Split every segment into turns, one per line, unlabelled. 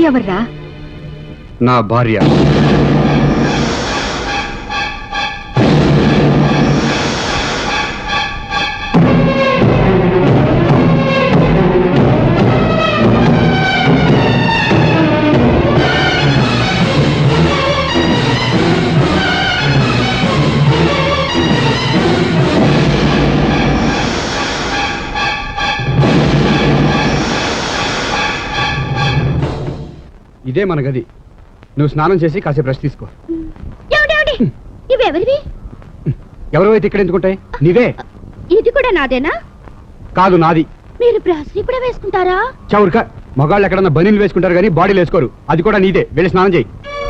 అమ్మాయి ఎవర్రా?
నా భార్య. ఇదే మన గది. నువ్వు స్నానం చేసి కాసేపు రెస్ట్ తీసుకో.
ఇవెవరివి?
ఎవరో అయితే ఇక్కడ ఎందుకుంటాయి? నీవే.
ఇది కూడా నాదేనా?
కాదు, నాది.
మీరు బ్రాస్లీ కూడా వేసుకుంటారా?
చౌర్క, మగాళ్ళు ఎక్కడన్నా బనీలు వేసుకుంటారు కానీ బాడీలు వేసుకోరు. అది కూడా నీదే. వెళ్ళి స్నానం చేయి.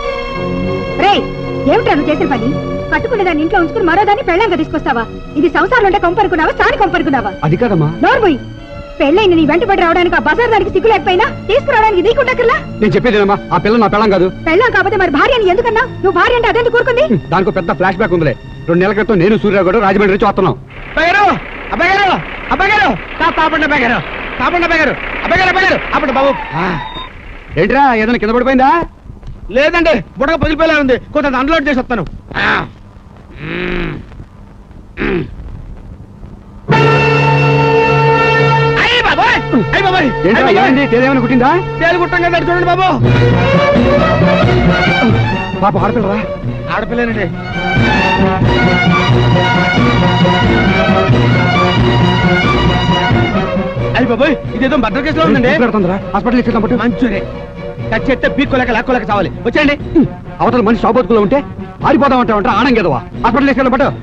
ఏమిటా నువ్వు చేసిన పని? కట్టుకునే దాన్ని ఇంట్లో ఉంచుకుని మరో దాన్ని పెళ్ళంగా తీసుకొస్తావా? ఇది సంసారం ఉంటే కొంపరుకున్నావా, సాని కొంపరుకున్నావా?
అది కాదమ్మా.
నోర్మోయ్, పెళ్ళైన నీ వెంటబడి రావడానికి ఆ బజార్ దానికి సిగ్గు లేకపోయినా తీసుకురావడానికి నీకుండకల్లా?
నేను చెప్పేదేనమ్మా, ఆ పిల్ల నా పెళ్ళం కాదు.
పెళ్ళం కాకపోతే మరి భార్య అని ఎందుకన్నా? నువ్వు భార్య అంటే అదెందుకు కూరుకుంది?
దానికి పెద్ద ఫ్లాష్ బ్యాక్ ఉందిలే. 2 నెలల క్రితం నేను సూర్యరావు గారు రాజమండ్రి నుంచి వస్తున్నాం. ఏంట్రా, ఏదైనా కింద పడిపోయిందా?
లేదండి, బుడగ పగిలిపోయేలా ఉంది. కొంత అన్లోడ్ చేసి వస్తాను.
ఏమైనా కుట్టిందా?
తేలు కుట్టం కదా, చూడండి బాబు.
పాప ఆడపిల్లరా?
ఆడపిల్లేనండి. అయ్యి బాబోయ్, ఇదేదో భద్ర కేసులో ఉందండి.
హాస్పిటల్ ఇచ్చేద్దాం.
మంచిదే. కట్ చేస్తే పీక్కోలేక లాక్కోలేక చావాలి. వచ్చేయండి.
అవతల మనిషి షాబోతుకులో ఉంటే ఆడిపోదాం అంటావంట. ఆనంగేదవా? హాస్పిటల్ తీసుకెళ్ళం పట్టు.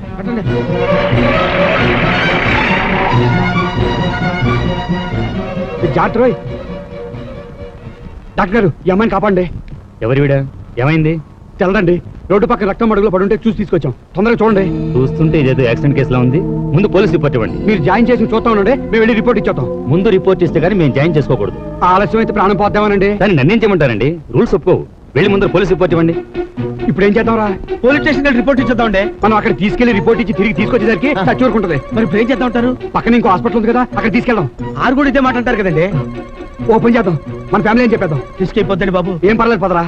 జాగ్రత్త రోయ్. డాక్టర్ గారు, ఈ అమ్మాయిని కాపాడండి.
ఎవరి వీడా? ఏమైంది?
తెల్లడండి, రోడ్డు పక్కన రక్తం మడుగులో పడుంటే చూసి తీసుకొచ్చాం. తొందరగా చూడండి.
చూస్తుంటే ఇదేదో యాక్సిడెంట్ కేసులా ఉంది. ముందు పోలీస్ రిపోర్ట్ ఇవ్వండి.
మీరు జాయిన్ చేసి చూస్తా ఉండండి, మేము వెళ్ళి రిపోర్ట్ ఇచ్చేద్దాం.
ముందు రిపోర్ట్ ఇస్తే కానీ మేము జాయిన్ చేసుకోకూడదు.
ఆలస్యం అయితే ప్రాణం పోద్దామనండి.
దాన్ని నన్నేం చేయమంటారండి? రూల్స్ ఒప్పుకోవు. వెళ్ళి ముందు పోలీస్ రిపోర్ట్ ఇవ్వండి.
ఇప్పుడు ఏం చేద్దాంరా?
పోలీస్ స్టేషన్ రిపోర్ట్ ఇచ్చేద్దామండి.
మనం అక్కడ తీసుకెళ్లి రిపోర్ట్ ఇచ్చి తిరిగి తీసుకొచ్చేసరికి చచ్చూరుకుంటది.
మరి ఇప్పుడు ఏం చేద్దాం అంటారు?
పక్కన ఇంకో హాస్పిటల్ ఉంది కదా, అక్కడ తీసుకెళ్దాం.
ఆరు కూడా ఇదే మాట అంటారు కదండి.
ఓపెన్ చేద్దాం. మన ఫ్యామిలీ ఏం చెప్పేద్దాం.
తీసుకెళ్ళిపోద్దండి బాబు.
ఏం పర్లేదు, పదరా.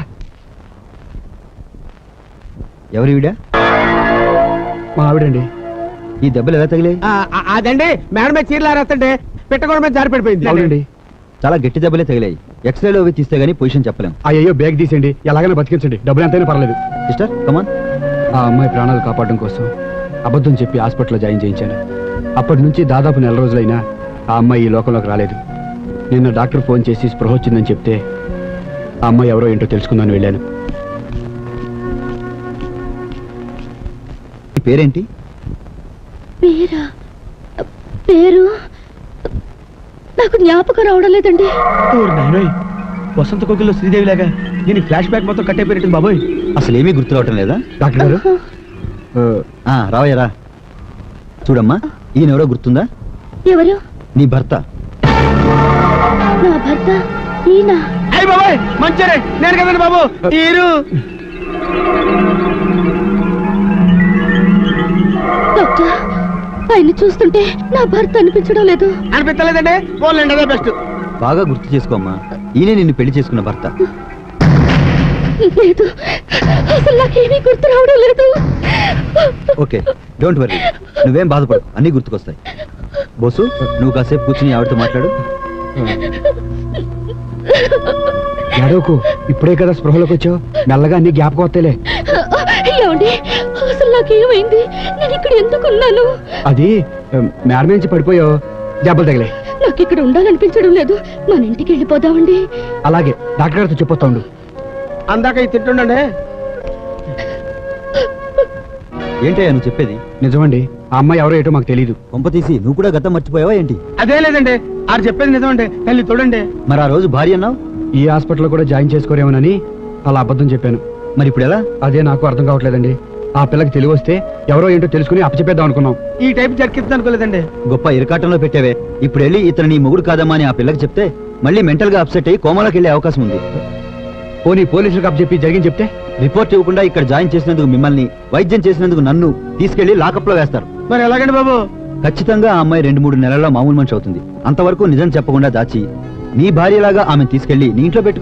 ఎవరి వీడా?
మా ఆవిడండి.
ఈ దెబ్బలు ఎలా తగిలే?
అదండి, మేడం మీద చీరలు ఆరేస్తుంటే పెట్టకుండా మీద జారి పడిపోయింది.
అవునండి,
చాలా గట్టి దెబ్బలే తగిలాయి. ఎక్స్రేలో అవి తీస్తే గానీ పొజిషన్ చెప్పలేం.
అయ్యో, బ్యాగ్ తీసేయండి, ఎలాగైనా బతికించండి. డబ్బులు ఎంతైనా పర్లేదు.
Sister come on.
ఆ అమ్మాయి ప్రాణాలు కాపాడడం కోసం అబద్ధం చెప్పి హాస్పిటల్లో జాయిన్ చేయించాను. అప్పటి నుంచి దాదాపు 4 రోజులైనా ఆ అమ్మాయి ఈ లోకంలోకి రాలేదు. నిన్న డాక్టర్ ఫోన్ చేసి స్పృహ వచ్చిందని చెప్తే ఆ అమ్మాయి ఎవరో ఏంటో తెలుసుకుందని వెళ్ళాను.
పేరేంటి?
పేరు నాకు జ్ఞాపకం రావడం లేదండి.
వసంత కోకిల్లో శ్రీదేవి లాగా దీని ఫ్లాష్ బ్యాక్ మొత్తం కట్టయిపోయినట్టు బాబోయ్.
అసలు ఏమీ గుర్తు రావటం లేదా?
డాక్టర్ గారు,
రావయ్యరా. చూడమ్మా, ఈయన ఎవరో గుర్తుందా?
ఎవరు?
నీ భర్త.
నా భర్త ఈయన?
అయ్యి బాబోయ్, మంచిరే, నేను కదండి బాబు. తీరు
డాక్టర్, ఆయన చూస్తుంటే నా భర్త అనిపించడం లేదు.
అనిపించలేదండి. పోలేండి, అదే బెస్ట్.
బాగా గుర్తు చేసుకోమ్మా, ఈయనే నిన్ను పెళ్లి చేసుకున్న భర్త.
లేదు, అసలు నాకేమీ గుర్తు రావడం లేదు.
ఓకే, డోంట్ వరీ, నువ్వేం బాధపడు, అన్నీ గుర్తుకొస్తాయి. బోసు, నువ్వు కాసేపు కూర్చుని ఆవిడతో మాట్లాడు.
ఎడవకు, ఇప్పుడే కదా స్పృహలోకి వచ్చావు. మెల్లగా అన్ని జ్ఞాపకం వస్తేలే.
ఏమండి, అసలు నాకేమైంది? నేను ఇక్కడ ఎందుకున్నాను?
అది మేడ నుంచి పడిపోయావు, దెబ్బలు తగిలే.
నాకు ఇక్కడ ఉండాలనిపించడం లేదు. మన ఇంటికి వెళ్ళిపోదామండి.
అలాగే, డాక్టర్ గారితో చెప్పొస్తా ఉండు.
అందాక ఇది తింటుండండి.
ఏంటయ్యా నువ్వు చెప్పేది?
నిజమండి, ఆ అమ్మాయి ఎవరో ఏటో మాకు తెలీదు.
కొంప తీసి నువ్వు కూడా గతం మర్చిపోయావా ఏంటి?
అదే లేదండి, ఆరు చెప్పేది నిజమండి. తల్లి చూడండి.
మరి ఆ రోజు భార్య అన్నావు?
ఈ హాస్పిటల్లో కూడా జాయిన్ చేసుకోరేమోనని అలా అబద్ధం చెప్పాను.
మరి ఇప్పుడు ఎలా?
అదే నాకు అర్థం కావట్లేదండి. ఆ పిల్లకి తెలివి వస్తే ఎవరో ఏంటో తెలుసుకుని అప్పచెప్పేద్దాం అనుకున్నాం.
ఈ టైప్ జరిగిద్దాం అనుకోలేదండి.
గొప్ప ఇరకాటంలో పెట్టావే. ఇప్పుడు వెళ్ళి ఇతను నీ మొగుడు కాదమ్మా అని ఆ పిల్లకి చెప్తే మళ్ళీ మెంటల్ గా అప్సెట్ అయ్యి కోమాలోకి వెళ్ళే అవకాశం ఉంది.
పోనీ పోలీసులకు అప్పచెప్పి జరిగింది చెప్తే?
రిపోర్ట్ ఇవ్వకుండా ఇక్కడ జాయిన్ చేసినందుకు మిమ్మల్ని, వైద్యం చేసినందుకు నన్ను తీసుకెళ్లి లాకప్ లో వేస్తారు.
మరి ఎలాగండి బాబు?
ఖచ్చితంగా ఆ అమ్మాయి 2-3 నెలల్లో మామూలు మనిషి అవుతుంది. అంతవరకు నిజం చెప్పకుండా దాచి నీ భార్యలాగా ఆమె తీసుకెళ్లి నీ ఇంట్లో పెట్టుకో.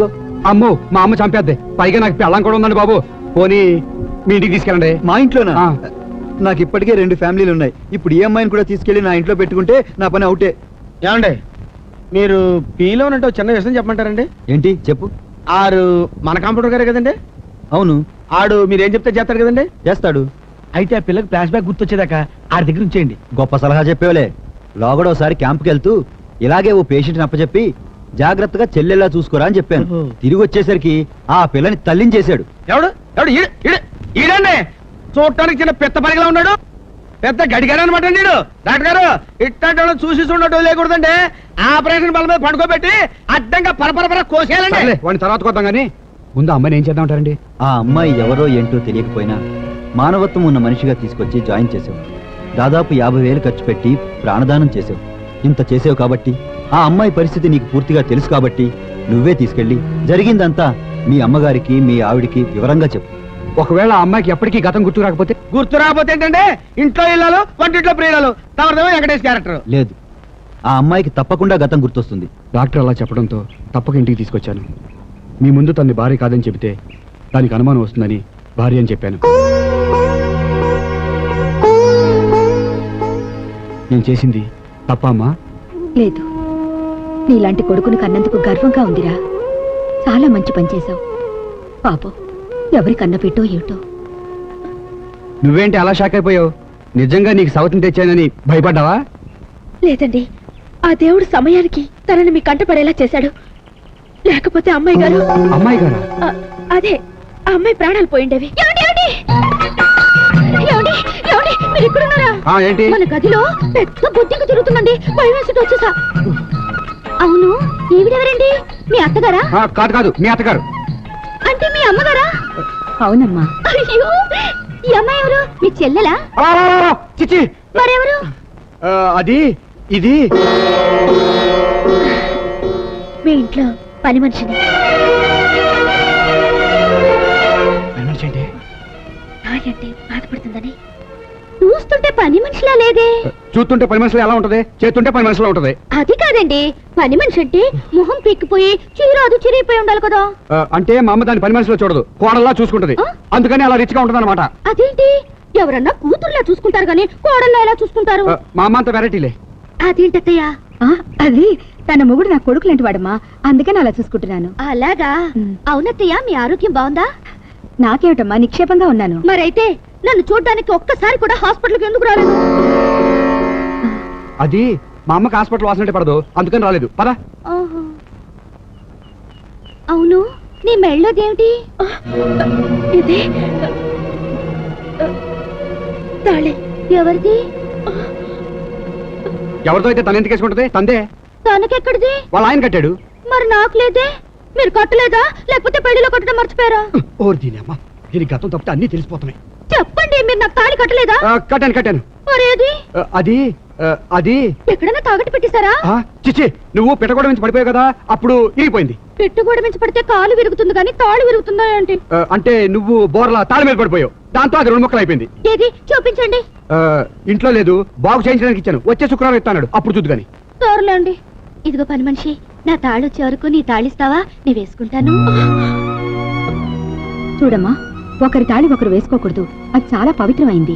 అమ్మో మా అమ్మ చంపేద్ది, పైగా నాకు పెళ్ళం కూడా ఉందండి బాబు. పోనీ మీ ఇంటికి తీసుకెళ్ళండి.
మా ఇంట్లోనా?
ఆ.
నాకు ఇప్పటికే 2 ఫ్యామిలీలు ఉన్నాయి. ఇప్పుడు ఈ అమ్మాయిని కూడా తీసుకెళ్లి నా ఇంట్లో పెట్టుకుంటే నా పని అవుటే.
ఏమండి మీరు పీలో ఉన్నట్టు చిన్న విషయం చెప్పమంటారండి?
ఏంటి చెప్పు.
ఆరు మన కంప్యూటర్ గారే కదండి.
అవును,
ఆడు మీరేం చెప్తే చేస్తాడు కదండి.
చేస్తాడు.
అయితే ఆ పిల్లకి ఫ్లాష్ బ్యాక్ గుర్తొచ్చేదాకా ఆడి దగ్గర ఉంచేయండి.
గొప్ప సలహా చెప్పేవలే. లోగడ ఒకసారి క్యాంప్కి వెళ్తూ ఇలాగే ఓ పేషెంట్ని అప్పచెప్పి జాగ్రత్తగా చెల్లెలా చూసుకోరా అని చెప్పాను.
ఓహో.
తిరిగి వచ్చేసరికి ఆ పిల్లని తల్లించేశాడు.
ఎవడు ఎవడు ఈడండి చూడటానికి చిన్న పెద్ద పరిగలా ఉన్నాడు, పెద్ద గడిగాడు అనమాట. నీడు డాక్టర్ గారు ఇట్టాంటి చూసి చూడటం లేకూడదండి. ఆపరేషన్ బల మీద పడుకోబెట్టి అడ్డంగా పరపరపర కోసేయాలండి.
సర్లే, వాడిని తర్వాత కొద్దాం కానీ ముందు అమ్మాయిని ఏం చేద్దాం అంటారండి?
ఆ అమ్మాయి ఎవరో ఏంటో తెలియకపోయినా మానవత్వం ఉన్న మనిషిగా తీసుకొచ్చి జాయిన్ చేసావు. దాదాపు 50,000 ఖర్చు పెట్టి ప్రాణదానం చేసావు. ఇంత చేసావు కాబట్టి, ఆ అమ్మాయి పరిస్థితి నీకు పూర్తిగా తెలుసు కాబట్టి నువ్వే తీసుకెళ్ళి జరిగిందంతా మీ అమ్మగారికి మీ ఆవిడికి వివరంగా చెప్పు.
ఒకవేళ ఆ అమ్మాయికి ఎప్పటికీ గతం గుర్తు రాకపోతే?
గుర్తు రాకపోతే ఏంటంటే ఇంట్లో ఇళ్ళాలు వంటింట్లో ప్రియురాలు తమదేమో వెంకటేష్ క్యారెక్టర్.
లేదు, ఆ అమ్మాయికి తప్పకుండా గతం గుర్తొస్తుంది.
డాక్టర్ అలా చెప్పడంతో తప్పక ఇంటికి తీసుకొచ్చాను. మీ ముందు తన్ని భార్య కాదని చెబితే దానికి అనుమానం వస్తుందని భార్య అని చెప్పాను. నేను చేసింది తప్ప అమ్మా?
లేదు, నీలాంటి కొడుకుని కన్నందుకు గర్వంగా ఉందిరా. చాలా మంచి పని చేశావు. పాపం ఎవరి కన్న పెట్టో ఏమిటో.
నువ్వేంటి అలా షాక్ అయిపోయావు? నిజంగా నీకు సవతిని తెచ్చానని భయపడ్డావా?
లేదండి, ఆ దేవుడు సమయానికి తనని మీ కంటపడేలా చేశాడు. లేకపోతే అమ్మాయి గారు
అమ్మాయి గారా?
అదే ఆ అమ్మాయి ప్రాణాలు పోయిండేవి.
ఏంటి?
మన గదిలో పెద్ద బొద్దింక తిరుగుతుందండి. భయం వేసి వచ్చేసా. అవును, ఈవిడెవరండి? మీ అత్తగారా?
కాదు కాదు, మీ అత్తగారు.
అంటే మీ అమ్మగారా? అవునమ్మా. అయ్యో, ఈ అమ్మాయి ఎవరు? మీ చెల్లెలా?
చిచి,
మరెవరు?
అది ఇది
మీ ఇంట్లో పని మనిషిని. నాయంటే బాధపడుతుందని చూస్తుంటే పని మనిషిలా లేదే.
చూస్తుంటే పని మనుషులు ఎలా ఉంటది, చేస్తుంటే పని మనుషులు ఉంటది.
అది కాదండి, పని మనిషి అంటే మొహం పీక్కిపోయి చీరాదు చిరిగిపోయి ఉండాలి కదా.
అంటే మా అమ్మ దాని పని మనుషులు చూడదు, కోడల్లా చూసుకుంటది. అందుకని అలా రిచ్గా ఉంటది అనమాట.
అదేంటి, ఎవరన్నా కూతుర్లా చూసుకుంటారు కానీ కోడల్లా ఎలా చూసుకుంటారు?
మా అమ్మ అంత వెరైటీలే.
అదేంటత్తయ్యా? అది తన మొగుడు నా కొడుకు లాంటి వాడమ్మా, అందుకని అలా చూసుకుంటున్నాను. అలాగా? అవునత్తయ్య, మీ ఆరోగ్యం బాగుందా? నాకేమిటమ్మా, నిక్షేపంగా ఉన్నాను. మరైతే నన్ను చూడ్డానికి ఒక్కసారి కూడా హాస్పిటల్కి ఎందుకు రాలేదు?
అది మా అమ్మకి హాస్పిటల్ వాసనంటే పడదు, అందుకని రాలేదు. పద.
అవును, నీ మెళ్ళోదేమిటి? ఇది తాళి. ఎవరిది?
ఎవరితో అయితే తన ఎందుకు వేసుకుంటది? తందే.
తనకెక్కడిది?
వాళ్ళ ఆయన కట్టాడు.
మరి నాకు లేదే. మీరు కట్టలేదా, లేకపోతే పెళ్లిలో కట్టడం మర్చిపోయారా?
ఓర్ దీని అమ్మ, దీని గతం తప్పితే అన్ని తెలిసిపోతున్నాయి.
చెప్పండి, మీరు నాకు తాళి కట్టలేదా?
కట్టాను.
మరేది?
అది అది
ఎక్కడైనా తాగట్టు పెట్టేశారా?
చిచ్చి, నువ్వు పెట్టగొడ నుంచి పడిపోయావు కదా, అప్పుడు ఇరిగిపోయింది.
పెట్టుగోడ మించి పడితే కాలు విరుగుతుంది కానీ తాళి విరుగుతుందా ఏంటి?
అంటే నువ్వు బోర్లా తాళి మీద పడిపోయావు, దాంతో అది 2 ముక్కలు అయిపోయింది.
ఏది చూపించండి.
ఇంట్లో లేదు, బాగు చేయించడానికి ఇచ్చాను. వచ్చే శుక్రవారం ఇస్తాడు, అప్పుడు చూద్దు గాని.
తోరలేండి. ఇదిగో పని మనిషి, నా తాళి వచ్చే వరకు నీ తాళిస్తావా? నీ వేసుకుంటాను. చూడమ్మా, ఒకరి తాళి ఒకరు వేసుకోకూడదు, అది చాలా పవిత్రమైంది.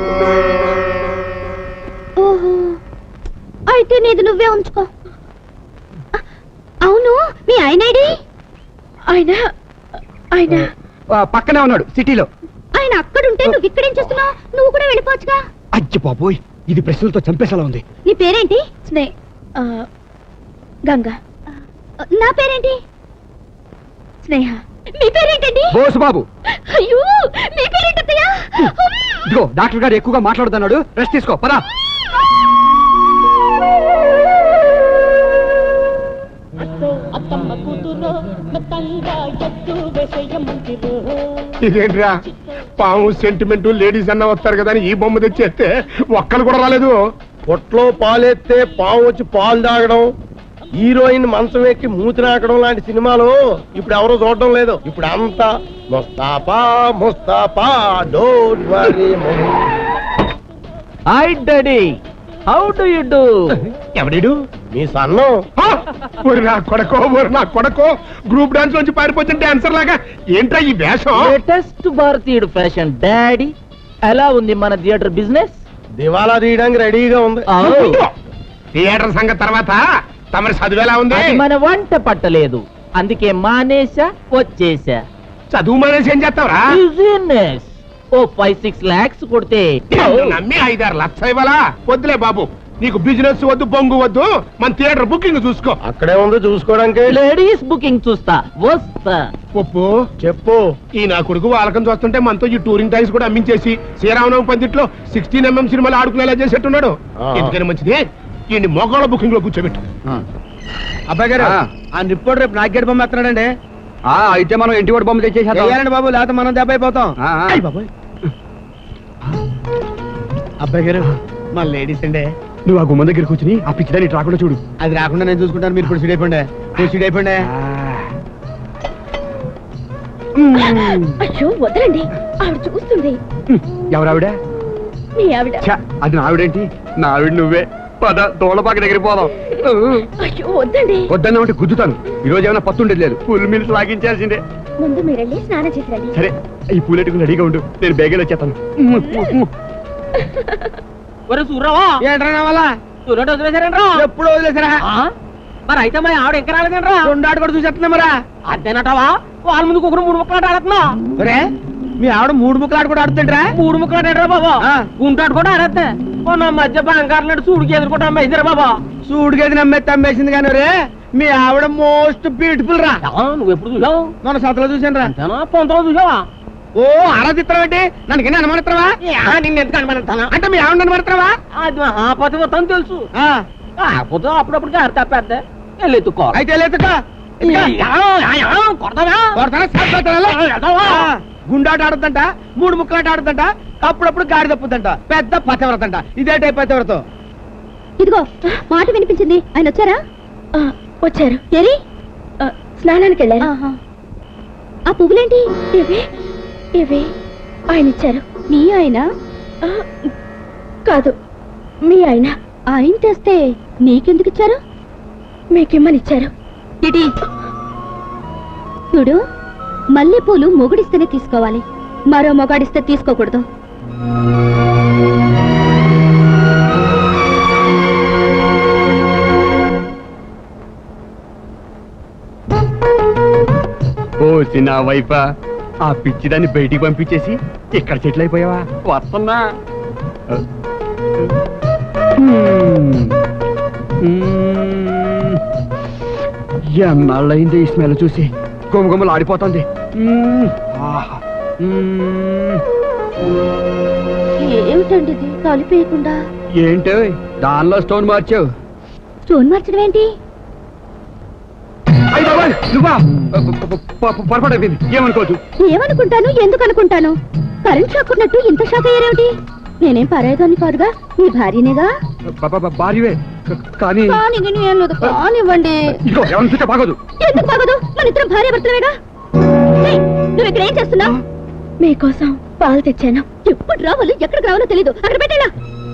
ఓహో, అయితే నీది నువ్వే ఉంచుకో. అవును, మీ ఆయనేడి? ఆయన
పక్కనే ఉన్నాడు, సిటీలో.
ఆయన అక్కడుంటే నువ్వు ఇక్కడేం చేస్తున్నావు? నువ్వు కూడా వెళ్ళిపోవచ్చుగా.
అజ్జి బాబోయ్, ఇది ప్రశ్నలతో చంపేసేలా ఉంది.
నీ పేరేంటి? గంగా. నా పేరేంటి? స్నేహ. మీ పేరేంటండి?
బోసు బాబు.
అయ్యో, మీ పేరేంటయ్యా?
ఇదిగో డాక్టర్ గారు ఎక్కువగా మాట్లాడుతున్నాడు, రెస్ట్ తీసుకో. పదా.
ఇదేంట్రా, పాము సెంటిమెంట్ లేడీస్ అన్న వస్తారు కదా అని ఈ బొమ్మ తెచ్చేస్తే ఒక్కరు కూడా రాలేదు. పొట్లో పాలెత్తే పాము వచ్చి పాలు తాగడం, హీరోయిన్ మంచం ఎక్కి మూతి నాకడం లాంటి సినిమాలు ఇప్పుడు ఎవరో చూడడం లేదు. ఇప్పుడు అంతా Mustafa Mustafa, don't worry.
Hi daddy.
How do you do?
ఎవడిడు మీ సన్ను నా కొడకో గ్రూప్ డాన్స్ నుంచి పారిపోతున్న డాన్సర్ లాగా ఏంట్రా ఈ వేషం?
లేటెస్ట్ భారతీయుడు ఫ్యాషన్ డాడీ. ఎలా ఉంది మన థియేటర్ బిజినెస్?
దివాలా తీయడానికి రెడీగా ఉంది.
Oh.
థియేటర్ సంగతి తర్వాత తమరి చదువు ఎలా ఉంది?
అది మన వంట పట్టలేదు, అందుకే మానేసా వచ్చేసా.
చదువు మానేసి ఏం చేస్తావురా?
బిజినెస్ ఓ 5-6 lakhs కొడితే
నమ్మి 5-6 లక్షలు ఇవ్వాలా? వద్దులే బాబు, నీకు బిజినెస్ వద్దు, బొంగు వద్దు, మన థియేటర్ బుకింగ్ చూసుకో. అక్కడే ఉంది చూసుకోవడానికి.
లేడీస్ బుకింగ్ చూస్తా వస్తా.
ఒప్పు చెప్పు. ఈ నా కొడుకు వాళ్ళకం చూస్తుంటే మనతో ఈ టూరింగ్ టైమ్స్ కూడా అమ్మించేసి శ్రీరామనవం పందిట్లో 16mm సినిమాలు ఆడుకునేలా చేసేట్టున్నాడు. ఎందుకని మంచిది ఈ మొగాళ్ళ బుకింగ్ లో కూర్చోబెట్టు.
అబ్బాయి గారు ఆ నిప్పుడు రేపు నాగేడు బొమ్మ ఎత్తున్నాడండి.
అయితే మనం ఇంటి వాడి బొమ్మ తెచ్చేసేద్దాం.
చెయ్యాలండి బాబు, లేకపోతే మనం దెబ్బ అయిపోతాం. అబ్బాయి గారు మా లేడీస్ అండి.
నువ్వు ఆ గుమ్మ దగ్గర కూర్చుని ఆ పిచ్చిదాన్ని రాకుండా చూడు.
అది రాకుండా నేను చూసుకుంటాను, మీరు ఇప్పుడు సీడ్ అయిపోండి. సీడ్ అయిపోండి.
అయ్యో వదలండి, ఆవిడ చూస్తుంది.
ఎవరావిడ?
మీ ఆవిడ.
అది నా ఆవిడేంటి? నా ఆవిడ నువ్వే. పద తోలపాక దగ్గర పోదాం.
అయ్యో వద్దండి.
వద్దన్నా ఉంటే గుద్దుతాను. ఈ రోజు ఏమైనా పత్తుండేది లేదు, ఫుల్ మిల్స్ లాగించాల్సిందే.
ముందు మీరెళ్ళి స్నానం చేసి రండి.
సరే, ఈ పూలెట్టుకుని రెడీగా ఉండు, నేను బేగేలో వచ్చేస్తాను.
ఒరే సూర్రావా,
ఏంట్రా వల్ల
సూర్యుడు వదిలేశారంట్రా?
ఎప్పుడు వదిలేసారా?
మరి అయితే మరి ఆవిడ ఇంకా రాలేదంట్రా?
రెండాడు కూడా చూసేస్తున్నా మరా.
అంతేనటవా? వాళ్ళ ముందుకు ఒకరు 3 ముక్కలు ఆడుతున్నా.
ఒరే మీ ఆవిడ 3 ముక్కలు ఆడు కూడా ఆడుతుంటరా?
3 ముక్కలు ఆడారా బాబా? గుంటాడు కూడా ఆడద్దా? నా మధ్య బంగారు సూడికి ఎదుర్కొంటా అమ్మేసారా బాబా?
సూడికేది నమ్మేస్తే అమ్మేసింది కానీ రే మీ ఆవిడ మోస్ట్ బ్యూటిఫుల్ రా.
నువ్వు ఎప్పుడు చూసావు?
మన సతలో చూసాను రా.
అంతేనా? పొంతలో చూసావా?
ఓ ఆరాధిత్రం ఏంటి? నన్ను కింద అనుమానిత్రవా?
నిన్ను ఎందుకు అనుమానిస్తానా?
అంటే మీ ఆవిడ అనుమానిత్రవా?
అది మహాపతివ్రతం తెలుసు. కాకపోతే అప్పుడప్పుడు గారి తప్పేద్దా వెళ్ళెత్తుకో.
అయితే లేదుకా గుండాట ఆడుతుంట, 3 ముక్కలాట ఆడుతుంట, అప్పుడప్పుడు గాడి తప్పుతుంట. పెద్ద పతివ్రతంట. ఇదే టైప్ పతివ్రతం.
ఇదిగో మాట వినిపించింది. ఆయన వచ్చారా? వచ్చారు. ఏరి స్నానానికి వెళ్ళారు. ఆ పువ్వులేంటి? ఇవి ఆయన ఇచ్చారు. మీ ఆయన? కాదు, మీ ఆయన. ఆయన తెస్తే నీకెందుకు ఇచ్చారు? మీకిమ్మని ఇచ్చారు. ఇటీ చూడు, మల్లెపూలు మొగుడిస్తేనే తీసుకోవాలి, మరో మొగాడిస్తే తీసుకోకూడదు.
ఓ చిన్న వైఫా, ఆ పిచ్చిదాన్ని బయటికి పంపించేసి ఇక్కడ చెట్లు అయిపోయావా? వస్తున్నా. ఎన్నాళ్ళయింది ఈ స్మెల్ చూసి, గుమగుమలు ఆడిపోతుంది.
ఏమిటండి ఇది కలిపేయకుండా?
ఏంటో దానిలో స్టోన్ మార్చావు?
స్టోన్ మార్చడం ఏంటి?
నువ్వా? పొరపాటు అయిపోయింది, ఏమనుకోవద్దు.
ఏమనుకుంటాను, ఎందుకు అనుకుంటాను? కరెంట్ షాక్ ఉన్నట్టు ఇంత షాక్ అయ్యారేమిటి? నేనేం పరాయిదాన్ని కాదుగా, మీ భార్యనేగా.
భార్యవే కానీ
కానివ్వండి.
ఇదిగో ఎవరిని చూస్తే బాగోదు.
ఎందుకు బాగోదు? మన ఇద్దరం భార్య భర్తలేగా. నువ్వు ఇక్కడ ఏం చేస్తున్నావు? మీకోసం పాలు తెచ్చాను. ఎప్పుడు రావాలో ఎక్కడికి రావాలో తెలీదు. అక్కడ పెట్టేలా.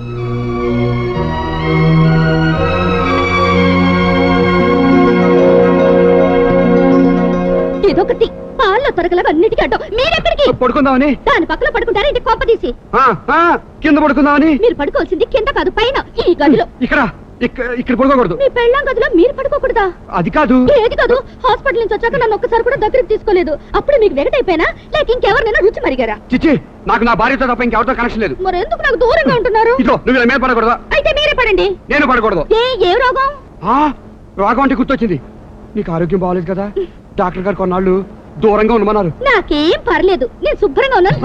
ఇదొకటి పాల్లో తొరగలాగా అన్నిటికీ అడ్డం. మీరెక్కడికి?
పడుకుందామని.
దాని పక్కన పడుకుంటారా ఇంటి కొంప తీసి?
కింద పడుకుందామని.
మీరు పడుకోవాల్సింది కింద కాదు, పైన ఈ గదిలో.
ఇక్కడ పడుకోకూడదు.
మీ పెళ్ళాం గదిలో మీరు పడుకోకూడదా?
అది కాదు.
ఏది కాదు? హాస్పిటల్ నుంచి వచ్చాక నన్ను ఒక్కసారి కూడా దగ్గరికి తీసుకోలేదు. అప్పుడు మీకు వెగటైపోయినా లేక ఇంకెవరినైనా రుచి మరిగారా?
చిచ్చి, నాకు నా భార్యతో తప్ప ఇంకెవరితో కనెక్షన్ లేదు.
మరి ఎందుకు నాకు దూరంగా ఉంటున్నారు?
ఇదో నువ్వు ఇలా మీద పడకూడదా?
అయితే మీరే పడండి.
నేను పడకూడదు.
ఏ రోగం?
రోగం అంటే గుర్తొచ్చింది. నీకు ఆరోగ్యం బాగోలేదు కదా, డాక్టర్ గారు కొన్నాళ్ళు దూరంగా ఉండమన్నారు.
నాకేం పర్లేదు, నేను శుభ్రంగా ఉన్నాను.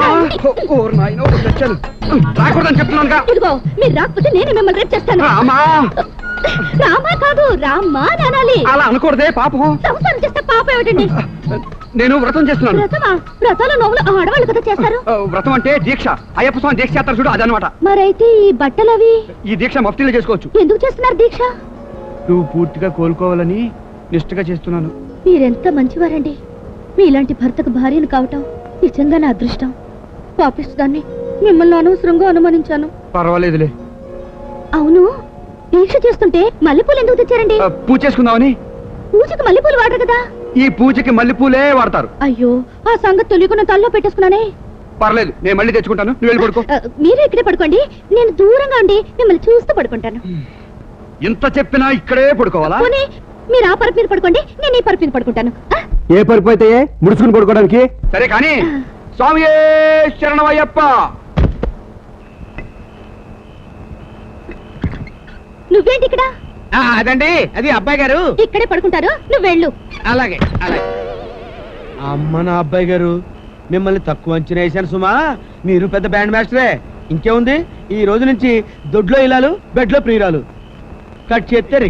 రాకూడదని చెప్తున్నాను.
ఇదిగో మీరు రాకపోతే నేను మిమ్మల్ని రేపు చేస్తాను. రామా కాదు, రామ్మా అనాలి.
అలా అనకూడదే, పాపం.
సంసారం చేస్తే పాపం ఏమిటండి?
నేను వ్రతం చేస్తున్నాను.
వ్రతమా? వ్రతాలు నవ్వులు ఆడవాళ్ళు కదా చేస్తారు.
వ్రతం అంటే దీక్ష. అయ్యప్ప స్వామి దీక్ష చేస్తారు చూడు, అదనమాట.
మరైతే ఈ బట్టలవి?
ఈ దీక్ష మఫ్తీలో చేసుకోవచ్చు.
ఎందుకు చేస్తున్నారు దీక్ష?
నువ్వు పూర్తిగా కోలుకోవాలని నిష్ఠగా చేస్తున్నాను.
మీరెంత మంచివారండి. మీలాంటి భర్తకు భార్యను కావటం నిజంగా నా అదృష్టం. పాపిస్తుదాన్ని మిమ్మల్ని అనవసరంగా అనుమానించాను.
పర్వాలేదులే,
అవును దీక్ష చేస్తుంటే మల్లెపూలు ఎందుకు తెచ్చారండి?
పూజ చేసుకుందామని.
పూజకి మల్లెపూలు వాడరు కదా?
ఈ పూజకి మల్లెపూలే వాడతారు.
అయ్యో ఆ సంగతి తెలియకుండా తల్లో పెట్టేసుకున్నానే.
పర్లేదు, నేను మళ్ళీ తెచ్చుకుంటాను, నువ్వు వెళ్ళి పడుకో.
మీరు ఇక్కడే పడుకోండి, నేను దూరంగా ఉండి మిమ్మల్ని చూస్తూ పడుకుంటాను.
ఇంత చెప్పినా ఇక్కడే పడుకోవాలా?
పోనీ మీరు ఆ పరుపు మీద పడుకోండి, నేను ఈ పరుపు మీద పడుకుంటాను.
ఏ పరుపు అయితే ముడుచుకుని పడుకోవడానికి. సరే కానీ స్వామి శరణమయ్యప్ప.
నువ్వేంటి ఇక్కడ?
అదండి అది అబ్బాయి గారు
ఇక్కడే పడుకుంటారు, నువ్వు వెళ్ళు.
అలాగే అలాగే. అమ్మ నా అబ్బాయి గారు, మిమ్మల్ని తక్కువ అంచనా వేశాను సుమా. మీరు పెద్ద బ్యాండ్ మాస్టరే. ఇంకేముంది, ఈ రోజు నుంచి దొడ్లో ఇలాలు, బెడ్లో ప్రియురాలు. కట్ చేస్తే